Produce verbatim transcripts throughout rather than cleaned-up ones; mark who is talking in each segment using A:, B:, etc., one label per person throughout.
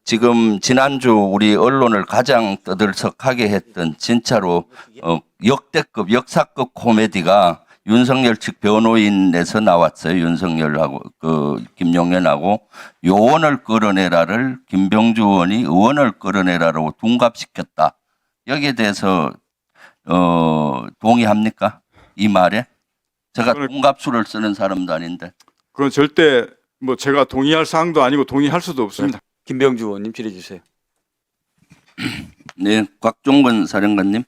A: 지금 지난주 우리 언론을 가장 떠들썩하게 했던 진짜로 어, 역대급 역사급 코미디가 윤석열 측 변호인에서 나왔어요. 윤석열하고 그 김용현하고 요원을 끌어내라를 김병주 의원이 의원을 끌어내라라고 둔갑시켰다. 여기에 대해서 어, 동의합니까? 이 말에? 제가 둔갑수를 쓰는 사람도 아닌데.
B: 그건 절대 뭐 제가 동의할 사항도 아니고 동의할 수도 없습니다.
C: 김병주 의원님 질의해 주세요.
A: 네, 곽종건 사령관님.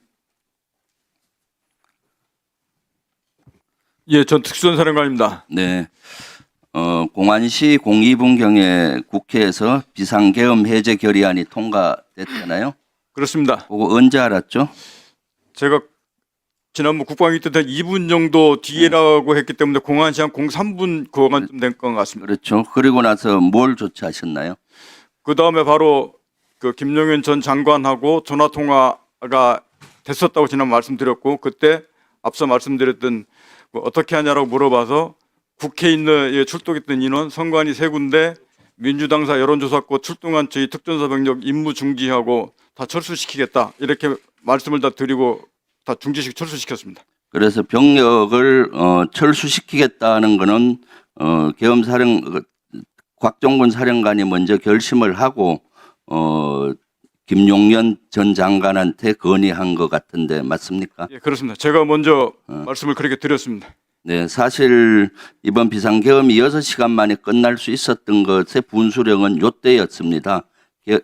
B: 예, 전 특수전사령관입니다.
A: 네. 어, 공안시 공이 분경에 국회에서 비상계엄 해제 결의안이 통과됐잖아요.
B: 그렇습니다.
A: 그거 언제 알았죠?
B: 제가 지난번 국방위 때 이 분 정도 뒤에라고 했기 때문에 공안시 한 공삼 분 그거만쯤 된 것 같습니다.
A: 그렇죠. 그리고 나서 뭘 조치하셨나요?
B: 그 다음에 바로 그 김용현 전 장관하고 전화 통화가 됐었다고 지난 말씀드렸고, 그때 앞서 말씀드렸던 뭐 어떻게 하냐라고 물어봐서 국회에 있는 출동했던 인원 선관위 세 군데, 민주당사 여론조사권 출동한 저희 특전사 병력 임무 중지하고 다 철수시키겠다 이렇게 말씀을 다 드리고 다 중지식 철수시켰습니다.
A: 그래서 병력을 어, 철수시키겠다는 거는 어, 계엄사령 곽종근 사령관이 먼저 결심을 하고 어, 김용현 전 장관한테 건의한 것 같은데 맞습니까?
B: 예, 그렇습니다. 제가 먼저
A: 어.
B: 말씀을 그렇게 드렸습니다.
A: 네, 사실 이번 비상계엄이 여섯 시간 만에 끝날 수 있었던 것의 분수령은 요때였습니다. 게-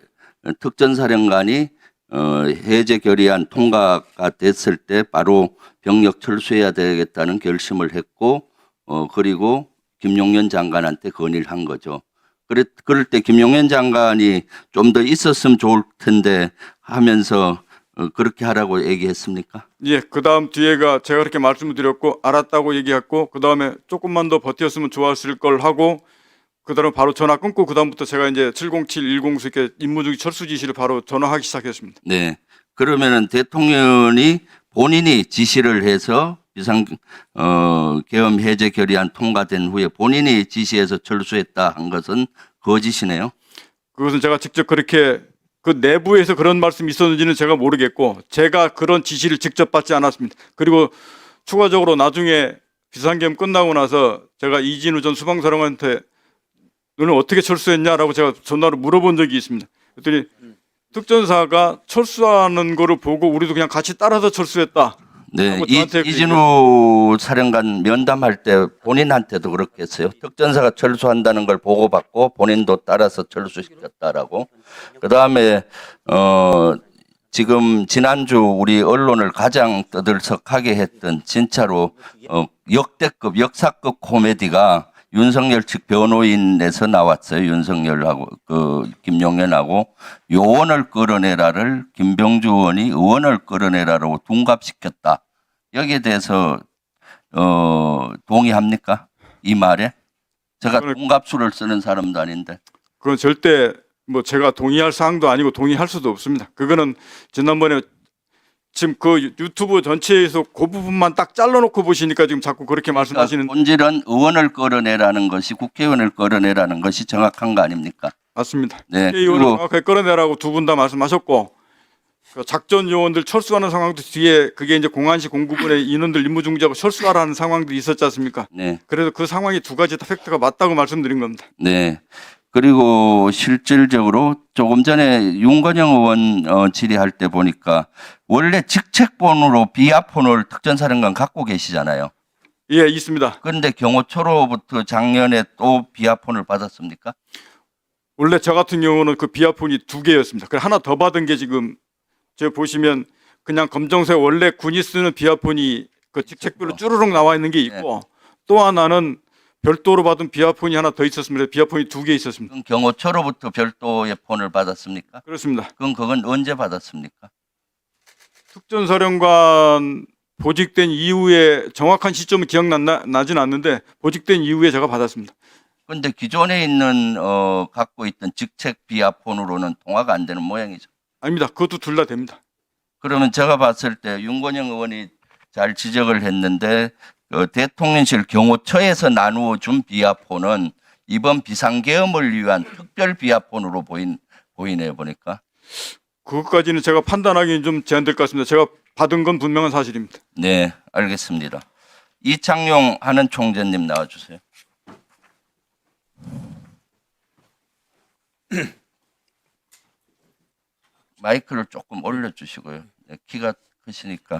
A: 특전사령관이 어, 해제 결의안 통과가 됐을 때 바로 병력 철수해야 되겠다는 결심을 했고, 어, 그리고 김용현 장관한테 건의를 한 거죠. 그래, 그럴 때 김용현 장관이 좀 더 있었으면 좋을 텐데 하면서 어, 그렇게 하라고 얘기했습니까?
B: 예, 그 다음 뒤에가 제가 그렇게 말씀을 드렸고 알았다고 얘기했고, 그 다음에 조금만 더 버텼으면 좋았을 걸 하고, 그 다음에 바로 전화 끊고 그 다음부터 제가 이제 칠공칠 일공수 이렇게 임무중지 철수 지시를 바로 전화하기 시작했습니다.
A: 네. 그러면은 대통령이 본인이 지시를 해서 비상 어 계엄 해제 결의안 통과된 후에 본인이 지시해서 철수했다 한 것은 거짓이네요.
B: 그것은 제가 직접 그렇게 그 내부에서 그런 말씀이 있었는지는 제가 모르겠고, 제가 그런 지시를 직접 받지 않았습니다. 그리고 추가적으로 나중에 비상계엄 끝나고 나서 제가 이진우 전 수방사령관한테 너는 어떻게 철수했냐라고 제가 전화로 물어본 적이 있습니다. 그랬더니 특전사가 철수하는 거를 보고 우리도 그냥 같이 따라서 철수했다.
A: 네.
B: 하고
A: 이,
B: 저한테 그
A: 이진우 사령관 면담할 때 본인한테도 그렇게 했어요. 특전사가 철수한다는 걸 보고받고 본인도 따라서 철수시켰다라고. 그다음에 어 지금 지난주 우리 언론을 가장 떠들썩하게 했던 진짜로 어 역대급 역사급 코미디가 윤석열 측 변호인에서 나왔어요. 윤석열하고 그 김용현하고 요원을 끌어내라를 김병주 의원이 의원을 끌어내라라고 둔갑시켰다. 여기에 대해서 어 동의합니까? 이 말에? 제가
B: 그거는-
A: 둔갑수를 쓰는 사람도 아닌데.
B: 그건 절대 뭐 제가 동의할 사항도 아니고 동의할 수도 없습니다. 그거는 지난번에 지금 그 유튜브 전체에서 그 부분만 딱 잘라놓고 보시니까 지금 자꾸 그렇게 말씀하시는.
A: 본질은 의원을 끌어내라는 것이 국회의원을 끌어내라는 것이 정확한 거 아닙니까?
B: 맞습니다.
A: 네.
B: 국회의원을
A: 그리고
B: 정확하게 끌어내라고 두 분 다 말씀하셨고, 그 작전 요원들 철수하는 상황도 뒤에 그게 이제 공안시 공구분의 인원들 임무 중지하고 철수하라는 상황도 있었지 않습니까?
A: 네.
B: 그래서 그 상황이 두 가지 다 팩트가 맞다고 말씀드린 겁니다.
A: 네. 그리고 실질적으로 조금 전에 윤건영 의원 어, 질의할 때 보니까 원래 직책본으로 비아폰을 특전사령관 갖고 계시잖아요.
B: 예, 있습니다.
A: 그런데 경호처로부터 작년에 또 비아폰을 받았습니까?
B: 원래 저 같은 경우는 그 비아폰이 두 개였습니다. 그 하나 더 받은 게 지금 저 보시면 그냥 검정색 원래 군이 쓰는 비아폰이 그 직책별로 쭈르륵 나와 있는 게 있고, 또 하나는 별도로 받은 비아폰이 하나 더 있었습니다. 비아폰이 두 개 있었습니다.
A: 그럼 경호처로부터 별도의 폰을 받았습니까?
B: 그렇습니다.
A: 그럼 그건 언제 받았습니까?
B: 특전사령관 보직된 이후에 정확한 시점은 기억나진 않는데 보직된 이후에 제가 받았습니다.
A: 그런데 기존에 있는 어, 갖고 있던 직책 비아폰으로는 통화가 안 되는 모양이죠.
B: 아닙니다. 그것도 둘 다 됩니다.
A: 그러면 제가 봤을 때 윤건영 의원이 잘 지적을 했는데 어, 대통령실 경호처에서 나누어 준 비아폰은 이번 비상계엄을 위한 특별 비아폰으로 보인 보이네요, 보니까.
B: 그것까지는 제가 판단하기는 좀 제한될 것 같습니다. 제가 받은 건 분명한 사실입니다.
A: 네, 알겠습니다. 이창용 하는 총재님 나와주세요. 마이크를 조금 올려주시고요. 네, 키가 크시니까.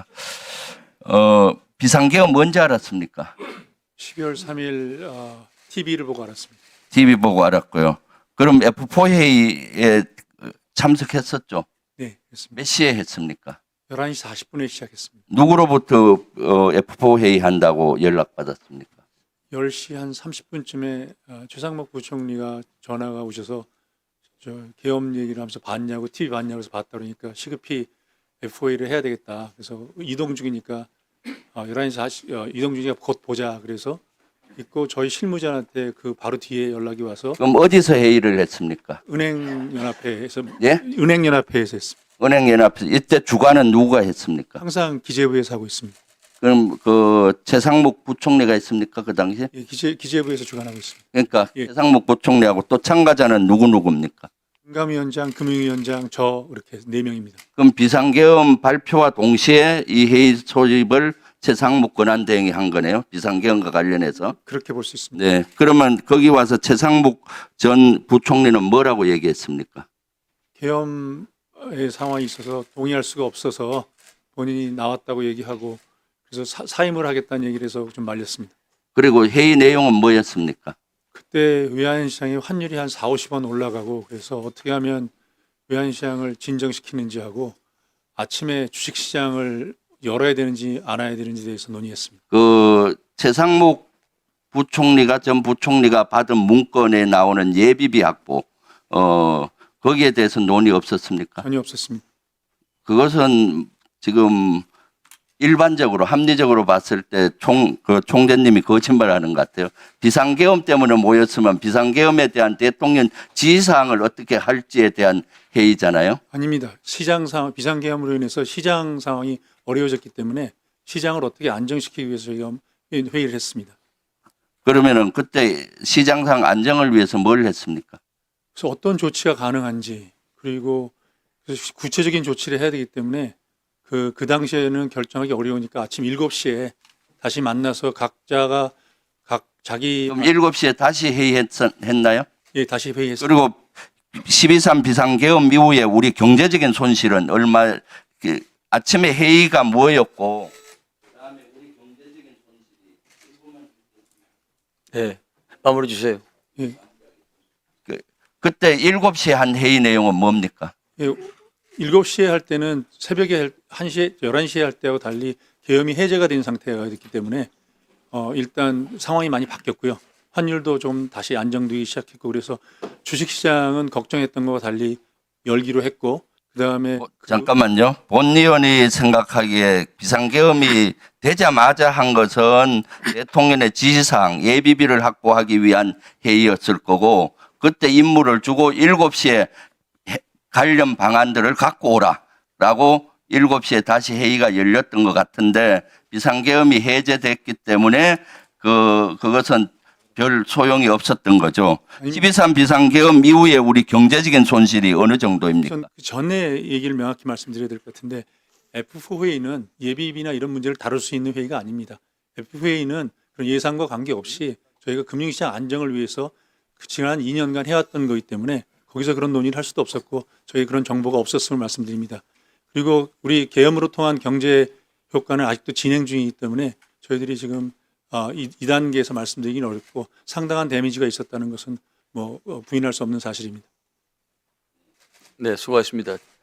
A: 어, 비상계엄 언제 알았습니까?
C: 십이월 삼일 어, 티비를 보고 알았습니다.
A: 티비 보고 알았고요. 그럼 에프 사 회의에 참석했었죠?
C: 네, 그렇습니다.
A: 몇 시에 했습니까?
C: 열한 시 사십 분에 시작했습니다.
A: 누구로부터 어, 에프 사 회의 한다고 연락받았습니까?
C: 열 시 한 삼십 분쯤에 어, 최상목 부총리가 전화가 오셔서 저 계엄 얘기를 하면서 봤냐고 티비 봤냐고 해서 봤다 그러니까 시급히 에프 회의를 해야 되겠다. 그래서 이동 중이니까 어, 열한 시 사십 어, 이동 중이니까 곧 보자. 그래서 있고 저희 실무자한테 그 바로 뒤에 연락이 와서
A: 그럼 어디서 회의를 했습니까?
C: 은행연합회에서
A: 예?
C: 은행연합회에서 했습니다.
A: 은행연합 이때 주관은 누가 했습니까?
C: 항상 기재부에서 하고 있습니다.
A: 그럼 그 최상목 부총리가 했습니까 그 당시에?
C: 예, 기재 기재부에서 주관하고 있습니다.
A: 그러니까
C: 예.
A: 최상목 부총리하고 또 참가자는 누구 누구입니까?
C: 금감위원장, 금융위원장, 저 이렇게 네 명입니다.
A: 그럼 비상계엄 발표와 동시에 이 회의 소집을 최상목 권한대행이 한 거네요. 비상계엄과 관련해서.
C: 그렇게 볼 수 있습니다.
A: 네. 그러면 거기 와서 최상목 전 부총리는 뭐라고 얘기했습니까?
C: 계엄의 상황이 있어서 동의할 수가 없어서 본인이 나왔다고 얘기하고 그래서 사, 사임을 하겠다는 얘기를 해서 좀 말렸습니다.
A: 그리고 회의 내용은 뭐였습니까?
C: 그때 외환시장이 환율이 한 사오십 원 올라가고 그래서 어떻게 하면 외환시장을 진정시키는지 하고 아침에 주식시장을 열어야 되는지 안 해야 되는지에 대해서 논의했습니다.
A: 그 최상목 부총리가 전 부총리가 받은 문건에 나오는 예비비 확보 어 거기에 대해서 논의 없었습니까?
C: 전혀 없었습니다.
A: 그것은 지금 일반적으로 합리적으로 봤을 때 총 그 총재님이 거짓말하는 것 같아요. 비상계엄 때문에 모였으면 비상계엄에 대한 대통령 지시사항을 어떻게 할지에 대한 회의잖아요.
C: 아닙니다. 시장 상황, 비상계엄으로 인해서 시장 상황이 어려워졌기 때문에 시장을 어떻게 안정시키기 위해서 저희가 회의를 했습니다.
A: 그러면은 그때 시장상 안정을 위해서 뭘 했습니까?
C: 그래서 어떤 조치가 가능한지 그리고 그래서 구체적인 조치를 해야 되기 때문에 그, 그 당시에는 결정하기 어려우니까 아침 일곱 시에 다시 만나서 각자가 각 자기
A: 그럼 일곱 시에 다시 회의했나요?
C: 예, 다시 회의했습니다.
A: 그리고 십이 삼 비상계엄 이후에 우리 경제적인 손실은 얼마 그 아침에 회의가 뭐였고
D: 네, 마무리 주세요.
C: 예,
A: 그, 그때 일곱 시에 한 회의 내용은 뭡니까?
C: 예, 일곱 시에 할 때는 새벽에 한 시에 열한 시에 할 때하고 달리 계엄이 해제가 된 상태가 됐기 때문에 어, 일단 상황이 많이 바뀌었고요. 환율도 좀 다시 안정되기 시작했고 그래서 주식시장은 걱정했던 것과 달리 열기로 했고 그다음에
A: 어, 잠깐만요. 본 의원이 생각하기에 비상계엄이 되자마자 한 것은 대통령의 지시사항 예비비를 확보하기 위한 회의였을 거고 그때 임무를 주고 일곱 시에 관련 방안들을 갖고 오라라고 일곱 시에 다시 회의가 열렸던 것 같은데 비상계엄이 해제됐기 때문에 그 그것은 별 소용이 없었던 거죠. 십이 삼 비상계엄 이후에 우리 경제적인 손실이 어느 정도입니까?
C: 전 그 전에 얘기를 명확히 말씀드려야 될 것 같은데 에프 사 회의는 예비비나 이런 문제를 다룰 수 있는 회의가 아닙니다. 에프 회의는 그런 예상과 관계없이 저희가 금융시장 안정을 위해서 그 지난 이 년간 해왔던 거기 때문에 거기서 그런 논의를 할 수도 없었고 저희 그런 정보가 없었음을 말씀드립니다. 그리고 우리 계엄으로 통한 경제 효과는 아직도 진행 중이기 때문에 저희들이 지금 어, 이, 이 단계에서 말씀드리기는 어렵고 상당한 데미지가 있었다는 것은 뭐 어, 부인할 수 없는 사실입니다.
D: 네, 수고하셨습니다.